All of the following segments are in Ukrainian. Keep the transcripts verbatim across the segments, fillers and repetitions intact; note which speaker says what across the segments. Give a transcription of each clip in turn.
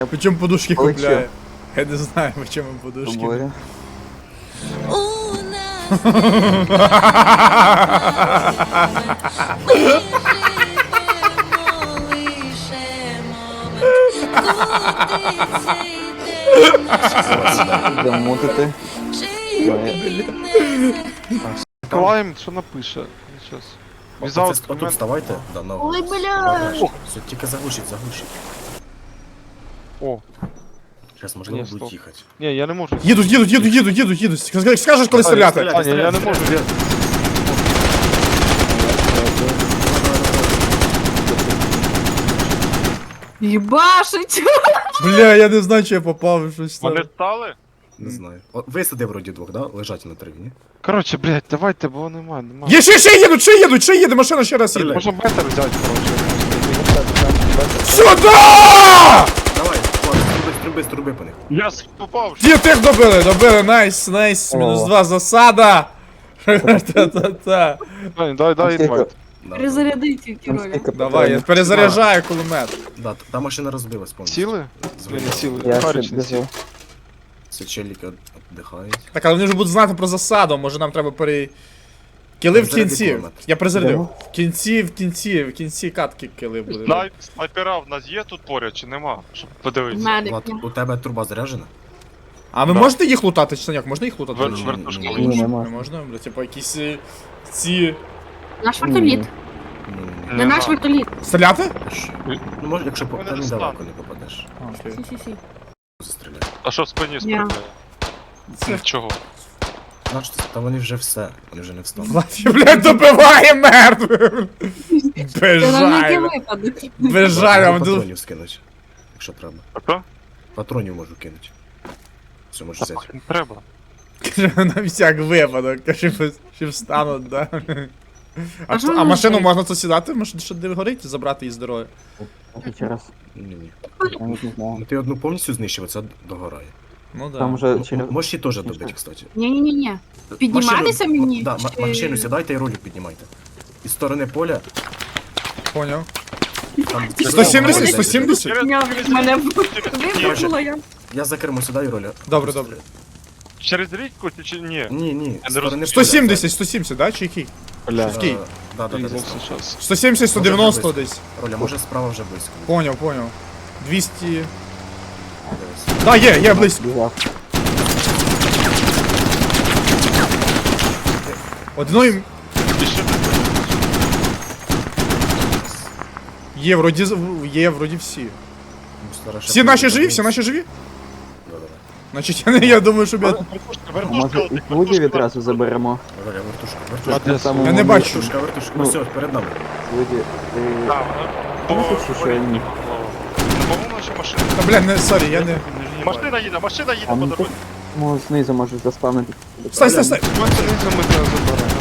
Speaker 1: Почему подушки
Speaker 2: Ой,
Speaker 1: купляю? Я не знаю, почему подушки.
Speaker 2: Тобою. Замутити.
Speaker 3: Клайм, що напише? Сейчас. Візаут
Speaker 4: Отут вставайте. Да, на
Speaker 5: Ой, бля.
Speaker 4: Все, тільки заглушить, заглушить.
Speaker 3: О,
Speaker 4: Зараз можливо
Speaker 3: Ні,
Speaker 4: будуть
Speaker 3: стоп.
Speaker 4: їхати.
Speaker 3: ні, я не можу.
Speaker 1: Їдуть, їдуть, їдуть, їдуть, їдуть, їдуть. Скажи- Скажеш, коли стріляти.
Speaker 3: А, ні, я не можу. Я...
Speaker 5: Єбашить!
Speaker 1: Бля, я не знаю, чи я попав в щось там.
Speaker 3: Вони стали?
Speaker 4: Не знаю. О, висади вроді двох, да? Лежать на траві, ні?
Speaker 3: Коротше, блядь, давайте, бо немає, немає.
Speaker 1: Є, ще, ще їдуть, ще їдуть, ще їде, машина ще раз їде.
Speaker 3: Можемо бетер взяти, коротше.
Speaker 1: Сюда!
Speaker 4: Давай, ладно, струби, струби, струби по них.
Speaker 3: Я попав.
Speaker 1: Ті, тих добили, добили, найс, найс, мінус два, засада. Та-та-та.
Speaker 3: Дай, дай, дай
Speaker 2: Скільки?
Speaker 3: інвайт.
Speaker 4: Да,
Speaker 5: Перезаряди ці
Speaker 2: Там
Speaker 5: ролі.
Speaker 2: скільки
Speaker 1: Давай, я
Speaker 2: патронів?
Speaker 1: перезаряджаю кулемет.
Speaker 4: да, та машина розбилась повністю.
Speaker 3: Сіли? Ні,
Speaker 4: Звичайно.
Speaker 3: не сіли.
Speaker 2: Я ще
Speaker 3: Харич не сіли.
Speaker 2: біжу.
Speaker 4: Це челіки віддихають.
Speaker 1: Так, але вони вже будуть знати про засаду, може нам треба пере... Кіли в
Speaker 4: Перезаряди
Speaker 1: кінці.
Speaker 4: кулемет.
Speaker 1: Я перезарядив.
Speaker 2: Йдемо?
Speaker 1: В кінці, в кінці, в кінці катки кіли буде.
Speaker 3: Снай- Снайпера в нас є тут поряд чи нема? Щоб подивитися.
Speaker 5: Медик.
Speaker 4: Влад, у тебе труба заряджена?
Speaker 1: А ви
Speaker 3: Да.
Speaker 1: можете їх лутати, чи як? Можна їх лутати?
Speaker 3: Вер-
Speaker 1: Чи ні?
Speaker 3: Вертушкові.
Speaker 2: Ні, не
Speaker 1: Не
Speaker 2: можна.
Speaker 1: можна? Бля, типа якісь е, ці...
Speaker 5: Наш вертоліт.
Speaker 4: Ні, ні, ні.
Speaker 5: Не наш вертоліт.
Speaker 1: Стріляти?
Speaker 4: Що? Ну, може, якщо по...
Speaker 3: Вони
Speaker 4: Та
Speaker 3: не
Speaker 4: не
Speaker 3: стануть.
Speaker 4: далеко не попадеш.
Speaker 1: А, окей.
Speaker 5: Сі-сі-сі.
Speaker 4: Застріляй.
Speaker 3: А що в спині справляє?
Speaker 1: Це...
Speaker 3: Чого?
Speaker 4: Значить, та вони вже все. Вони вже не встануть.
Speaker 1: Влафі, блядь, добиває мертвим!
Speaker 5: Це на який
Speaker 1: Безжально.
Speaker 5: випадок.
Speaker 1: Безжально.
Speaker 4: Можу
Speaker 1: вду-
Speaker 4: патронів скинуть, якщо треба.
Speaker 3: А то?
Speaker 4: Патронів можу кинути. Все, можу взяти.
Speaker 3: Не треба.
Speaker 1: Каже, на всяк випадок, каже, що встануть, да. А,
Speaker 5: А що
Speaker 1: а
Speaker 5: ви
Speaker 1: машину
Speaker 5: робите?
Speaker 1: можна тут сідати, може, що де горить, забрати її з дороги?
Speaker 2: Ще раз.
Speaker 4: Ні-ні.
Speaker 2: Я не знаю.
Speaker 4: Ну ти одну повністю знищив, це догорає.
Speaker 1: Ну да.
Speaker 2: Там вже через...
Speaker 4: М- Можеш її теж добити, кстати.
Speaker 5: Ні-ні-ні. Підніматися
Speaker 4: Машину-
Speaker 5: мені?
Speaker 4: Да, ма-
Speaker 5: Чи-
Speaker 4: машину сідайте і ролик піднімайте. Із сторони поля.
Speaker 1: Поняв.
Speaker 4: Там
Speaker 1: сто сімдесят,
Speaker 4: Через-
Speaker 1: сто сімдесят?
Speaker 5: Ня, Мене
Speaker 4: Короче,
Speaker 5: випустило я.
Speaker 4: Я за кермо сідаю роля.
Speaker 1: Добре, добре.
Speaker 3: Через річку чи- чи ні?
Speaker 4: Ні, ні.
Speaker 3: Я
Speaker 4: з
Speaker 3: не
Speaker 4: сторони
Speaker 1: сто
Speaker 4: поля.
Speaker 1: сімдесят, сто сімдесят, да, чи який?
Speaker 3: Бля.
Speaker 4: Е,
Speaker 1: Який?
Speaker 4: Да, да, да,
Speaker 3: Різався
Speaker 4: десь там.
Speaker 3: щас.
Speaker 1: сто сімдесят, сто дев'яносто
Speaker 4: Може,
Speaker 1: десь.
Speaker 4: Роля, може справа вже близько.
Speaker 1: Поняв, поняв. двісті...
Speaker 4: Дивись.
Speaker 1: Да, є, є, близько.
Speaker 2: Бігав.
Speaker 1: Одної...
Speaker 3: І ще не-
Speaker 1: Є, вроді, з- є, вроді всі.
Speaker 4: Ну, стара
Speaker 1: Всі
Speaker 4: шапка
Speaker 1: наші
Speaker 4: буде
Speaker 1: живі, всі
Speaker 4: дивитися.
Speaker 1: наші живі?
Speaker 4: Да, да, да.
Speaker 1: Значить, я, не- я думаю, щоб я...
Speaker 3: Вертушка,
Speaker 2: А
Speaker 3: вертушка,
Speaker 2: може і
Speaker 3: вертушка.
Speaker 2: плуги відразу заберемо?
Speaker 4: Роля, вертушка,
Speaker 3: А
Speaker 4: вертушка.
Speaker 3: де
Speaker 2: Там
Speaker 1: Я не
Speaker 2: у-
Speaker 1: бачу.
Speaker 4: Вертушка, вертушка.
Speaker 2: Ну.
Speaker 4: Все, перед нами.
Speaker 2: Плуги. Ти-
Speaker 3: Так, вона-
Speaker 2: Ну, це що, ні.
Speaker 3: Ну, по-моєму, ще машина.
Speaker 1: Та, бля, не, сорі, я не...
Speaker 3: Машина їде, машина їде
Speaker 2: А
Speaker 3: по
Speaker 2: ну
Speaker 3: дорозі.
Speaker 2: тут ну, знизу можеш заспавнити.
Speaker 1: Стой, стой, стой!
Speaker 3: Машина ми тебе забираємо.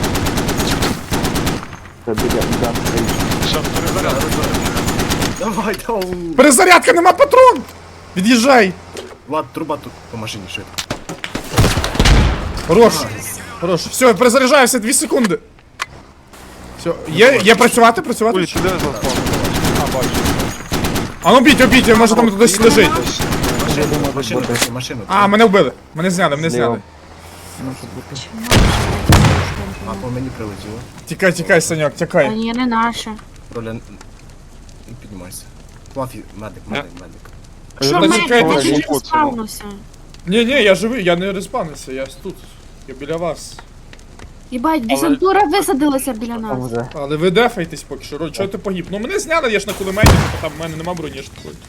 Speaker 2: Це біля да, стоїть.
Speaker 3: Щас перезаряд.
Speaker 4: Давай, давай.
Speaker 1: Перезарядка, нема патрон! Від'їжджай!
Speaker 4: Влад, труба тут по машині швидко.
Speaker 1: Хорош! Хорош. Все, перезаряджаюся, дві секунди. Все, є, є працювати, працювати?
Speaker 3: Ой, ти де заспав? А, бачу.
Speaker 1: А ну біть, обіть, може там хтось лежить.
Speaker 4: Машину,
Speaker 2: може
Speaker 4: машину,
Speaker 2: бути.
Speaker 4: машину.
Speaker 1: А, мене вбили. Мене зняли, мене
Speaker 2: Зліва.
Speaker 1: зняли.
Speaker 2: Може бути.
Speaker 4: А по мені прилетіло.
Speaker 1: Тікай, тікай, Саньок,
Speaker 5: А
Speaker 1: тікай.
Speaker 5: ні, не наша.
Speaker 4: Роля, не піднімайся. Флафі, медик, медик, медик.
Speaker 5: Що
Speaker 1: Та
Speaker 5: медик,
Speaker 1: чекайте,
Speaker 5: ти
Speaker 3: що-
Speaker 5: ж розпавнився.
Speaker 1: Ні, ні, я живий, я не респанився, я тут. Я біля вас.
Speaker 5: Єбать, десантура висадилася біля
Speaker 2: Там
Speaker 5: нас.
Speaker 2: вже.
Speaker 1: Але ви дефайтесь поки що, Роль, чого ти погиб? Ну мене зняли, я ж на кулеметі, типу, там в мене нема броні ж такої.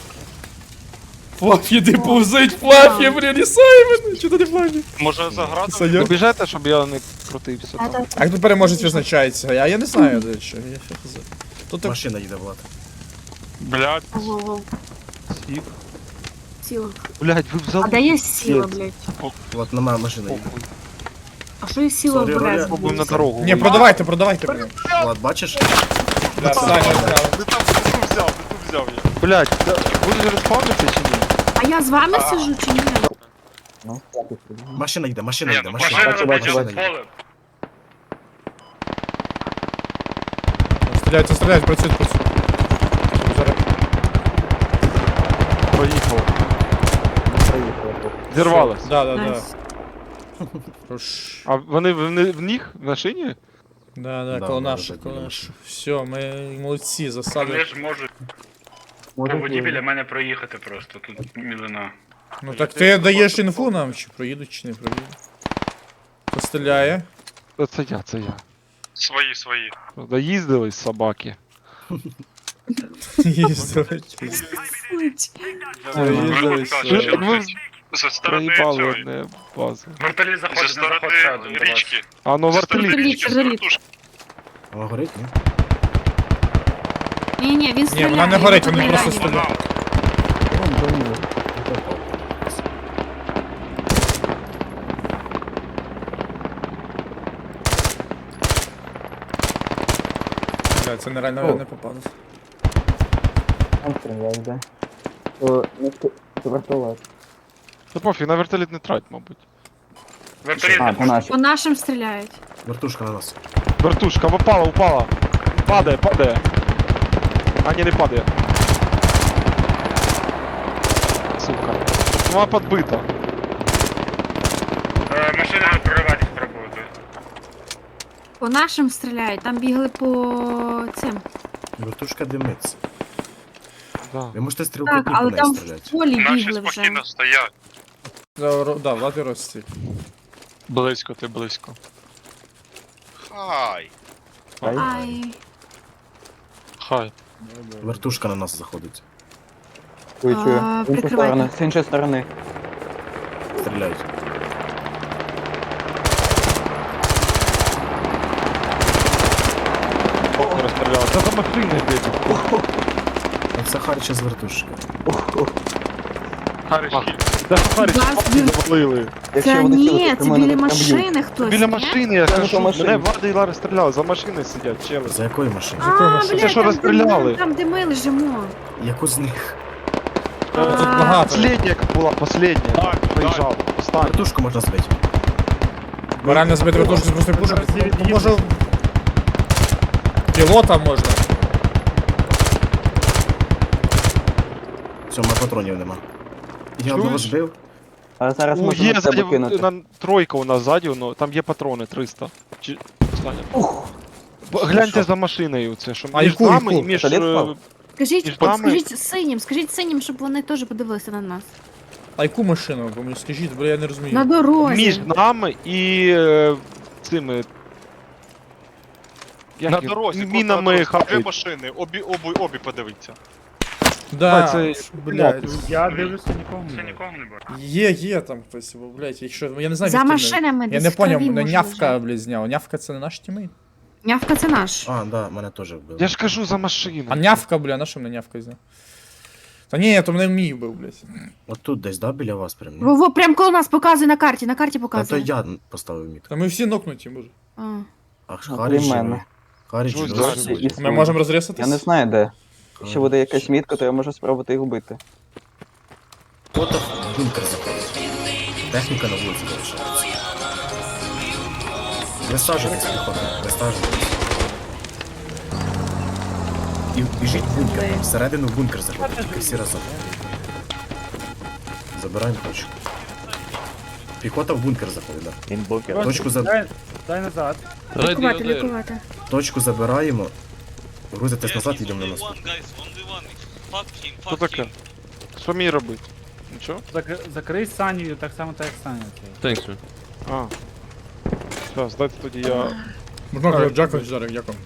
Speaker 1: Флафі, ти повзить, Флафі, блін, лісай мене, чого ти не Флафі?
Speaker 3: Може заграти?
Speaker 1: Саньок?
Speaker 3: Добіжайте, щоб я не крутився
Speaker 5: А,
Speaker 3: там.
Speaker 5: та-
Speaker 1: А як тут переможець визначається? А я не знаю, де що. Я що хз. Тут так...
Speaker 4: Машина їде, Влад.
Speaker 3: Блядь,
Speaker 5: Ого,
Speaker 3: сів.
Speaker 5: сіла.
Speaker 3: Блядь, ви взяли.
Speaker 5: А де є сіла, блядь?
Speaker 4: Влад, на мене машина їде.
Speaker 3: Похуй.
Speaker 5: А що є сіла
Speaker 4: Сорі,
Speaker 5: в
Speaker 4: Роля.
Speaker 5: Березі?
Speaker 3: Пробуємо на дорогу.
Speaker 1: Ні, продавайте, продавайте мене.
Speaker 4: Влад, бачиш?
Speaker 1: Да, Саня зняли.
Speaker 3: Не там не ту взяв, не ту взяв я. Блядь, будеш респавнитися чи ні?
Speaker 5: А я з вами сижу чи ні?
Speaker 2: Ну, так і сюди.
Speaker 4: Машина йде, машина йде, машина.
Speaker 2: Бачу, бачу, бачу.
Speaker 4: йде.
Speaker 1: Стріляйте, стріляйте, працюють, працюють. Зараз.
Speaker 3: Проїхало.
Speaker 2: Проїхали.
Speaker 3: Зірвалось.
Speaker 1: Да, да, да.
Speaker 5: Найс.
Speaker 1: Хорош.
Speaker 3: А вони в, в них в машині?
Speaker 1: Да, да,
Speaker 4: Да,
Speaker 1: коло
Speaker 4: да,
Speaker 1: наших,
Speaker 4: да,
Speaker 1: коло
Speaker 4: да.
Speaker 1: наших. Все, ми молодці, засади.
Speaker 6: Вони ж можуть по
Speaker 2: Може,
Speaker 6: воді
Speaker 2: буде.
Speaker 6: біля мене проїхати просто, тут мілина.
Speaker 1: Ну так ти даєш інфу нам, чи проїдуть, чи не проїдуть. Хто стріляє?
Speaker 3: Та Це я, це я.
Speaker 6: Свої, свої.
Speaker 3: Доїздились собаки.
Speaker 1: Їздили. Їздили.
Speaker 3: Так ви
Speaker 6: Зі сторони
Speaker 3: проїбали
Speaker 6: цієї.
Speaker 3: одне базу.
Speaker 6: Вертоліт заходить,
Speaker 7: Зі
Speaker 6: не заходить ще один до вас.
Speaker 7: річки.
Speaker 3: А ну вертоліт.
Speaker 5: Вертоліт, вертоліт.
Speaker 4: Вона горить, ні?
Speaker 5: Ні, ні, він стріляє.
Speaker 1: вона не горить,
Speaker 5: його
Speaker 1: вони
Speaker 5: тут
Speaker 1: просто
Speaker 5: не ранять.
Speaker 1: стріляють.
Speaker 2: Вон, броню.
Speaker 1: Бля, це нереально не попадуть.
Speaker 2: Там стріляє, да. О, ну, це- це вертолет.
Speaker 3: Та пофіг, на вертоліт не трать, мабуть.
Speaker 6: Вертоліт
Speaker 2: А, по нашій.
Speaker 5: По нашим стріляють.
Speaker 4: Вертушка на нас.
Speaker 3: Вертушка, упала, упала. Падає, падає. А ні, не падає. Сука. Вона подбита.
Speaker 6: Е, машина проривати спробувати.
Speaker 5: По нашим стріляють, там бігли по цим.
Speaker 4: Вертушка димиться.
Speaker 3: Да.
Speaker 4: Ви можете стрілкотні
Speaker 5: Так,
Speaker 4: по
Speaker 5: але
Speaker 4: неї
Speaker 5: там в
Speaker 4: стріляти.
Speaker 5: полі
Speaker 7: Наші
Speaker 5: бігли вже.
Speaker 7: спокійно стоять.
Speaker 1: Да, ро- да, Влад і Рості.
Speaker 3: Близько, ти близько.
Speaker 7: Хай.
Speaker 5: Ай.
Speaker 3: Хай.
Speaker 4: Вертушка на нас заходить.
Speaker 2: Чую, чую.
Speaker 5: А,
Speaker 2: З іншої
Speaker 5: прикривайте.
Speaker 2: сторони, з іншої сторони.
Speaker 4: Стріляють.
Speaker 3: Розстріляли. Це за машини бідні.
Speaker 4: Це Харча з вертушки.
Speaker 7: Хариш.
Speaker 3: Де Сахарі
Speaker 5: Вас
Speaker 3: чіпаки
Speaker 5: він-
Speaker 3: завалили.
Speaker 2: Якщо
Speaker 5: Це
Speaker 2: вони
Speaker 5: ні,
Speaker 2: стрілять, то
Speaker 5: це
Speaker 2: мене
Speaker 5: біля
Speaker 2: прям б'ють.
Speaker 5: машини хтось.
Speaker 3: Біля
Speaker 5: ні?
Speaker 3: машини, я
Speaker 2: Це
Speaker 3: кажу,
Speaker 2: за машини.
Speaker 3: мене Влада і Лара стріляли, за машини сидять, чели.
Speaker 4: За якої машини?
Speaker 5: А,
Speaker 1: машини?
Speaker 5: блядь,
Speaker 3: Це що
Speaker 5: там,
Speaker 3: розстріляли?
Speaker 5: де ми- там, де ми лежимо.
Speaker 4: Яку з них?
Speaker 1: Тут
Speaker 5: А,
Speaker 1: багато.
Speaker 3: Последня, яка була, последня.
Speaker 7: Так,
Speaker 3: Приїжджав. Остання.
Speaker 4: Вертушку можна збити.
Speaker 1: Бо реально збити вертушку з простої пушки. Ну, може... Пілота можна.
Speaker 4: Все, мене патронів нема. Я одного
Speaker 3: Чуєш?
Speaker 4: збив.
Speaker 2: А зараз
Speaker 3: Ну,
Speaker 2: можна
Speaker 3: є
Speaker 2: на тебе
Speaker 3: ззаді,
Speaker 2: кинути.
Speaker 3: на, тройка у нас ззаді, ну, там є патрони триста. Чи... Остання. Бо Гляньте
Speaker 2: Що?
Speaker 3: за машиною, це що
Speaker 1: А
Speaker 3: між
Speaker 1: яку,
Speaker 3: нами
Speaker 1: яку?
Speaker 3: і між...
Speaker 2: Пістолет
Speaker 3: е,
Speaker 2: впав?
Speaker 5: Скажіть,
Speaker 3: Між
Speaker 5: от
Speaker 3: нами-
Speaker 5: скажіть синім, скажіть синім, щоб вони теж подивилися на нас.
Speaker 1: А яку машину? Бо мені скажіть, бо я не розумію.
Speaker 5: На дорозі.
Speaker 3: Між нами і е, цими... як
Speaker 7: На
Speaker 3: їх?
Speaker 7: дорозі,
Speaker 3: Мінами
Speaker 7: дві
Speaker 3: хапають.
Speaker 7: машини, обі, обі, обі подивіться.
Speaker 1: Да,
Speaker 3: А, це
Speaker 1: блядь.
Speaker 6: Я дивлюся нікого не нікого не бачу.
Speaker 1: Є, є там хтось, бо, блядь, якщо... Я не знаю,
Speaker 5: За
Speaker 1: звідки вони.
Speaker 5: машинами
Speaker 1: Я
Speaker 5: десь
Speaker 1: не
Speaker 5: в крові
Speaker 1: поняв, мене
Speaker 5: може
Speaker 1: нявка,
Speaker 5: лежати.
Speaker 1: блядь, зняв. Нявка це не наш тімейт?
Speaker 5: Нявка це наш.
Speaker 4: А, да, мене теж вбили.
Speaker 3: Я ж кажу за машину.
Speaker 1: А нявка, бля, на що мене нявка зняв? Та ні, то мене мій був, блядь.
Speaker 4: От тут десь, да, біля вас прям? ні?
Speaker 5: Во, во, прям коло нас показує на карті, на карті
Speaker 4: А то
Speaker 5: показує.
Speaker 4: я поставив мітку.
Speaker 1: Та ми всі нокнуті, може.
Speaker 5: А.
Speaker 4: А ж
Speaker 2: Ну,
Speaker 4: Харіч
Speaker 2: крім
Speaker 4: живий.
Speaker 2: мене.
Speaker 4: Харіч
Speaker 3: Чогось
Speaker 4: живий.
Speaker 3: досі.
Speaker 2: І-
Speaker 1: Ми можемо розрізатись?
Speaker 2: Я не знаю де. Якщо
Speaker 4: Харіч.
Speaker 2: буде якась мітка, то я можу спробувати їх вбити.
Speaker 4: От в бункер заходить. Техніка на вулиці залишається. Висаджуйтесь, піхота, висаджуйтесь. І біжіть в бункер, там всередину в бункер заходить, тільки всі разом. Забираємо точку. Піхота в бункер заходить, да.
Speaker 8: Він бункер.
Speaker 4: Точку, за...
Speaker 5: Лікувати, лікувати.
Speaker 4: Точку забираємо, грузитесь назад, їдемо на наступ.
Speaker 3: Що таке? Що мені робити? Нічого?
Speaker 9: Закрий Саню, так само так як Саня. цей.
Speaker 3: А. Зараз, дайте тоді я...
Speaker 1: Можна кажу, дякую, Жарик, дякую.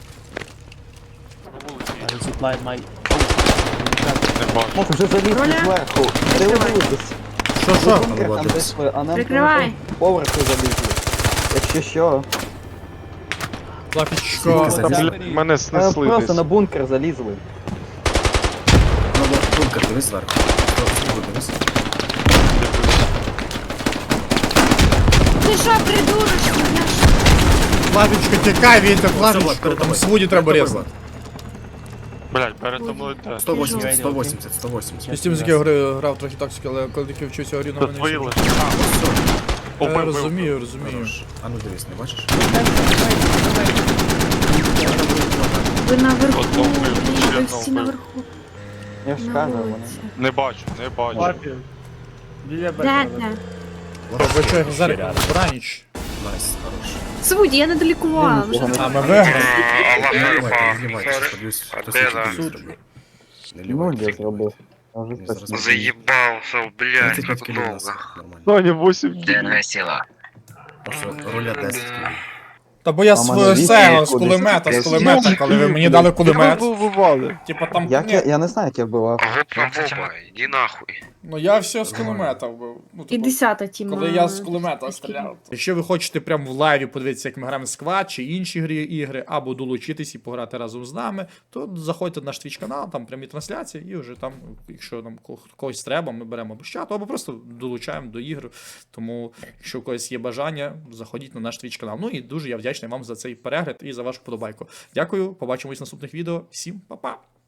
Speaker 3: Не бачу.
Speaker 2: Вже залізли
Speaker 5: Роля?
Speaker 2: зверху. Дивитесь.
Speaker 1: Що, що?
Speaker 2: Бункер там
Speaker 4: Молодець.
Speaker 2: десь ви, а нам
Speaker 5: Прикривай.
Speaker 2: треба поверху залізли. Якщо що,
Speaker 1: Лапічко.
Speaker 4: Звідки
Speaker 3: Там,
Speaker 4: залізли?
Speaker 3: бля, мене
Speaker 2: е,
Speaker 3: снесли
Speaker 2: просто
Speaker 3: десь.
Speaker 2: на бункер залізли.
Speaker 4: Ну, от бункер, дивись зверху. Зверху дивись.
Speaker 5: Ти що, придурочка? Я ж-
Speaker 1: Лапічко, тікай, Вітя,
Speaker 4: Влад,
Speaker 1: лапічко.
Speaker 4: перед
Speaker 1: Там
Speaker 4: тобою.
Speaker 1: свуді треба
Speaker 4: Перед
Speaker 1: різати.
Speaker 3: Блять, перетомили те.
Speaker 4: сто вісімдесят, сто вісімдесят, сто вісімдесят.
Speaker 1: Я з тим з якого гри грав трохи тактики, але коли тільки вчуся грі, на
Speaker 3: Це
Speaker 1: мене.
Speaker 3: твої
Speaker 1: всі-
Speaker 3: лише.
Speaker 1: Я
Speaker 3: Убив, убив.
Speaker 1: розумію, розумію.
Speaker 4: Хорош. А ну дивись, не бачиш?
Speaker 5: Ви наверху,
Speaker 3: Одного вбив,
Speaker 5: блін,
Speaker 3: ще
Speaker 5: ви
Speaker 3: одного
Speaker 5: всі
Speaker 3: вбив.
Speaker 5: наверху.
Speaker 2: Я ж
Speaker 5: На
Speaker 2: кажу, вони.
Speaker 5: вулиці.
Speaker 7: Не бачу, не бачу.
Speaker 9: Папі. Біля
Speaker 5: Де
Speaker 9: бетера.
Speaker 5: це?
Speaker 1: Ви що, зараз браніч.
Speaker 4: Найс, хорош.
Speaker 5: Свуді, я не долікувала.
Speaker 2: Нічого
Speaker 5: вже.
Speaker 2: не
Speaker 1: А ми виграли.
Speaker 4: Не
Speaker 6: Аллах
Speaker 4: наливайте, не наливайте,
Speaker 6: Сорі.
Speaker 4: щас подивлюсь, хтось
Speaker 6: А де
Speaker 4: інший
Speaker 6: за?
Speaker 4: тобі зробив. Не
Speaker 2: Ну, я
Speaker 4: ливайте.
Speaker 2: зробив. Я вже
Speaker 4: Ні, зараз
Speaker 2: точно.
Speaker 6: Заебался, блядь,
Speaker 4: тридцять п'ять
Speaker 6: как
Speaker 4: кілів у
Speaker 6: долго.
Speaker 4: нас, нормально.
Speaker 3: Соня, вісім кілів.
Speaker 8: сила.
Speaker 4: Просто руля десять кілів.
Speaker 1: Та бо я
Speaker 2: А мене
Speaker 1: з
Speaker 2: вісім
Speaker 1: цього, з
Speaker 2: кудись.
Speaker 1: кулемета, з
Speaker 2: Я
Speaker 1: кулемета, коли ви мені дали кулемет.
Speaker 3: Ви вбивали.
Speaker 1: Типа там,
Speaker 2: Як я,
Speaker 1: ні,
Speaker 2: я не знаю, як я вбивав.
Speaker 6: Гопа Боба, иди нахуй.
Speaker 1: ну я все з кулемета вбив. Ну,
Speaker 5: І
Speaker 1: типу,
Speaker 5: десята тіма.
Speaker 1: коли я з кулемета стріляв. Якщо ви хочете прямо в лайві подивитися, як ми граємо в сквад чи інші грі ігри, або долучитись і пограти разом з нами, то заходьте на наш твіч канал, там прямі трансляції, і вже там, якщо нам ко- когось треба, ми беремо або з чату, або просто долучаємо до ігр. Тому, якщо у когось є бажання, заходіть на наш твіч канал. Ну і дуже я вдячний вам за цей перегляд і за вашу подобайку. Дякую, побачимось в наступних відео. Всім па-па!